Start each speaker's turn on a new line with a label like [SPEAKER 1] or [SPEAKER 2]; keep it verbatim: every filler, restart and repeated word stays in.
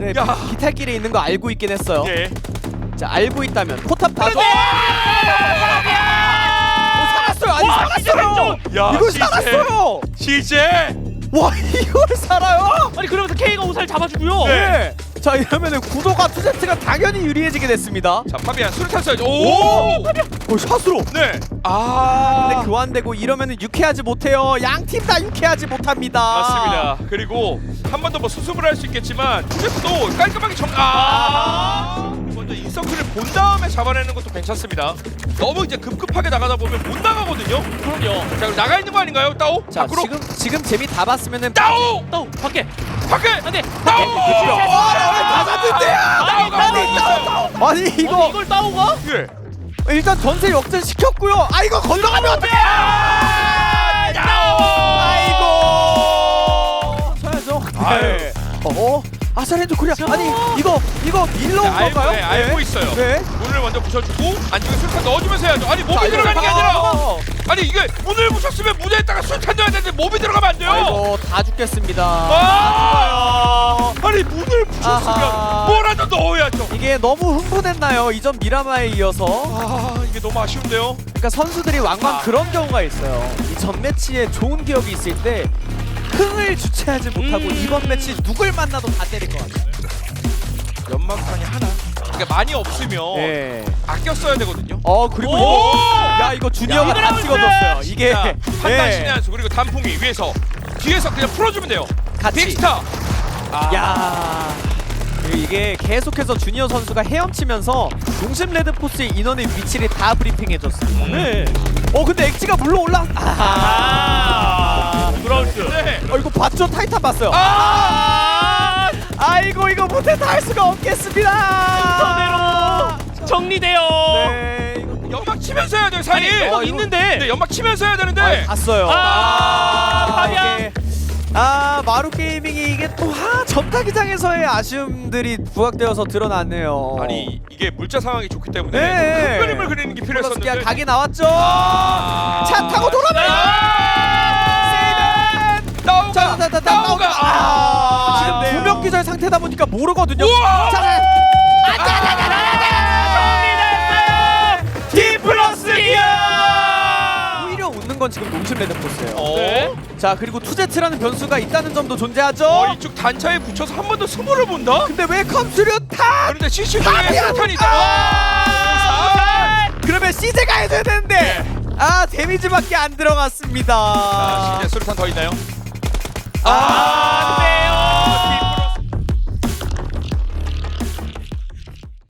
[SPEAKER 1] 네,
[SPEAKER 2] 야.
[SPEAKER 1] 비탈길에 있는 거 알고 있긴 했어요.
[SPEAKER 2] 예.
[SPEAKER 1] 자, 알고 있다면 포탑 다소.
[SPEAKER 2] 어!
[SPEAKER 1] 살았어요. 아니
[SPEAKER 3] 와,
[SPEAKER 1] 살았어요.
[SPEAKER 2] 야,
[SPEAKER 1] 이걸
[SPEAKER 2] 시제.
[SPEAKER 1] 살았어요.
[SPEAKER 2] 시제.
[SPEAKER 1] 와, 이걸 살아요?
[SPEAKER 3] 아니 그러면서 K가 우살 잡아주고요.
[SPEAKER 2] 네.
[SPEAKER 1] 자, 이러면은 구도가 투세트가 당연히 유리해지게 됐습니다.
[SPEAKER 2] 자, 파비안 수류탄 쏴야죠. 오!
[SPEAKER 1] 오, 샷으로.
[SPEAKER 2] 네. 아.
[SPEAKER 1] 근데 교환되고 이러면은 유쾌하지 못해요. 양 팀 다 유쾌하지 못합니다.
[SPEAKER 2] 맞습니다. 그리고 한 번 더 뭐 수습을 할 수 있겠지만 투제스도 깔끔하게 정. 아. 먼저 인서클을 본 다음에 잡아내는 것도 괜찮습니다. 너무 이제 급급하게 나가다 보면 못 나가거든요.
[SPEAKER 3] 그럼요.
[SPEAKER 2] 자, 그럼 나가 있는 거 아닌가요, 따오?
[SPEAKER 1] 자,
[SPEAKER 2] 밖으로.
[SPEAKER 1] 지금 지금 재미 다 봤으면은
[SPEAKER 2] 따오.
[SPEAKER 3] 따오 밖에.
[SPEAKER 2] 밖에.
[SPEAKER 3] 안돼.
[SPEAKER 2] 따오.
[SPEAKER 1] 다 잡는데요.
[SPEAKER 2] 따오가
[SPEAKER 1] 아니,
[SPEAKER 2] 먼저
[SPEAKER 1] 따오,
[SPEAKER 2] 있어요.
[SPEAKER 1] 따오. 아니
[SPEAKER 3] 이거
[SPEAKER 1] 이거
[SPEAKER 3] 이걸 따오가?
[SPEAKER 2] 예.
[SPEAKER 1] 일단 전세 역전 시켰고요. 아 이거 건너가면 어떡해?
[SPEAKER 2] 따오.
[SPEAKER 1] 아이고. 쳐야죠.
[SPEAKER 2] 아유.
[SPEAKER 1] 네. 어? 아사렌도 코리아. 아니 이거 이거 밀러 온
[SPEAKER 2] 네, 알고,
[SPEAKER 1] 건가요?
[SPEAKER 2] 네, 알고 있어요.
[SPEAKER 1] 네.
[SPEAKER 2] 문을 먼저 부셔주고 안쪽에 수류탄 넣어주면서 해야죠. 아니 몸이
[SPEAKER 1] 자,
[SPEAKER 2] 들어가는 게
[SPEAKER 1] 이거
[SPEAKER 2] 아니라
[SPEAKER 1] 어.
[SPEAKER 2] 아니 이게 문을 부셨으면 문에다가 수류탄 넣어야 되는데 몸이 들어가면 안 돼요.
[SPEAKER 1] 아이고 다 죽겠습니다.
[SPEAKER 2] 아! 아니 문을 부셨으면
[SPEAKER 1] 아하.
[SPEAKER 2] 뭐라도 넣어야죠.
[SPEAKER 1] 이게 너무 흥분했나요? 이전 미라마에 이어서.
[SPEAKER 2] 아 이게 너무 아쉬운데요.
[SPEAKER 1] 그러니까 선수들이 왕왕
[SPEAKER 2] 아.
[SPEAKER 1] 그런 경우가 있어요. 이 전 매치에 좋은 기억이 있을 때 흥을 주체하지 못하고
[SPEAKER 3] 음.
[SPEAKER 1] 이번 매치 누굴 만나도 다 때릴 것 같아요.
[SPEAKER 2] 연막탄이 하나. 그러니까 많이 없으면
[SPEAKER 1] 네.
[SPEAKER 2] 아껴 써야 되거든요.
[SPEAKER 1] 어 그리고
[SPEAKER 2] 오!
[SPEAKER 1] 이거 야 이거 주니어가
[SPEAKER 3] 야,
[SPEAKER 1] 다
[SPEAKER 3] 이거
[SPEAKER 1] 찍어줬어요. 이게
[SPEAKER 2] 자, 판단
[SPEAKER 1] 예.
[SPEAKER 2] 신의 한수 그리고 단풍이 위에서 뒤에서 그냥 풀어주면 돼요.
[SPEAKER 1] 같이.
[SPEAKER 2] 빅스타. 아.
[SPEAKER 1] 야 그리고 이게 계속해서 주니어 선수가 헤엄치면서 농심 레드포스의 인원의 위치를 다 브리핑해줬어요.
[SPEAKER 3] 네.
[SPEAKER 1] 어 근데 엑지가 물러 올라. 아.
[SPEAKER 3] 브라운스.
[SPEAKER 2] 네.
[SPEAKER 1] 어 이거 봤죠? 타이탄 봤어요.
[SPEAKER 2] 아!
[SPEAKER 1] 아이고 이거 못해 다 할 수가 없겠습니다.
[SPEAKER 3] 선대로 정리돼요.
[SPEAKER 1] 네. 이거
[SPEAKER 2] 연막 치면서 해야 돼요 사이.
[SPEAKER 3] 아니, 연막
[SPEAKER 1] 어, 이거-
[SPEAKER 3] 있는데.
[SPEAKER 2] 네, 연막 치면서 해야 되는데.
[SPEAKER 1] 아, 봤어요.
[SPEAKER 3] 아, 파비안.
[SPEAKER 1] 이게- 아 마루 게이밍이 이게 또 아, 전타기장에서의 아쉬움들이 부각되어서 드러났네요.
[SPEAKER 2] 아니 이게 물자 상황이 좋기 때문에
[SPEAKER 1] 네.
[SPEAKER 2] 큰 그림을 그리는 게
[SPEAKER 1] 폴러스키아
[SPEAKER 2] 필요했었는데.
[SPEAKER 1] 각이 나왔죠.
[SPEAKER 2] 아~
[SPEAKER 1] 차 타고 돌아가요. 세이든.
[SPEAKER 2] 나오가
[SPEAKER 1] 자, 자, 자, 자,
[SPEAKER 2] 나오가.
[SPEAKER 1] 아, 지금
[SPEAKER 2] 네.
[SPEAKER 1] 두 명 기절 상태다 보니까 모르거든요.
[SPEAKER 2] 우와!
[SPEAKER 1] 자, 자.
[SPEAKER 3] D 플러스 기아.
[SPEAKER 1] 오히려 웃는 건 지금 농심 레드포스예요.
[SPEAKER 2] 어?
[SPEAKER 3] 네.
[SPEAKER 1] 자 그리고 투제트라는 변수가 있다는 점도 존재하죠.
[SPEAKER 2] 어, 이쪽 단차에 붙여서 한 번 더 스모를 본다?
[SPEAKER 1] 근데 왜 컴수류탄?
[SPEAKER 2] 그런데 씨씨티비에 수류탄이 있다.
[SPEAKER 1] 아! 그러면 씨제가 해줘야 되는데 아 데미지밖에 안 들어갔습니다.
[SPEAKER 2] 자, 시제 수류탄 더 있나요?
[SPEAKER 1] 아,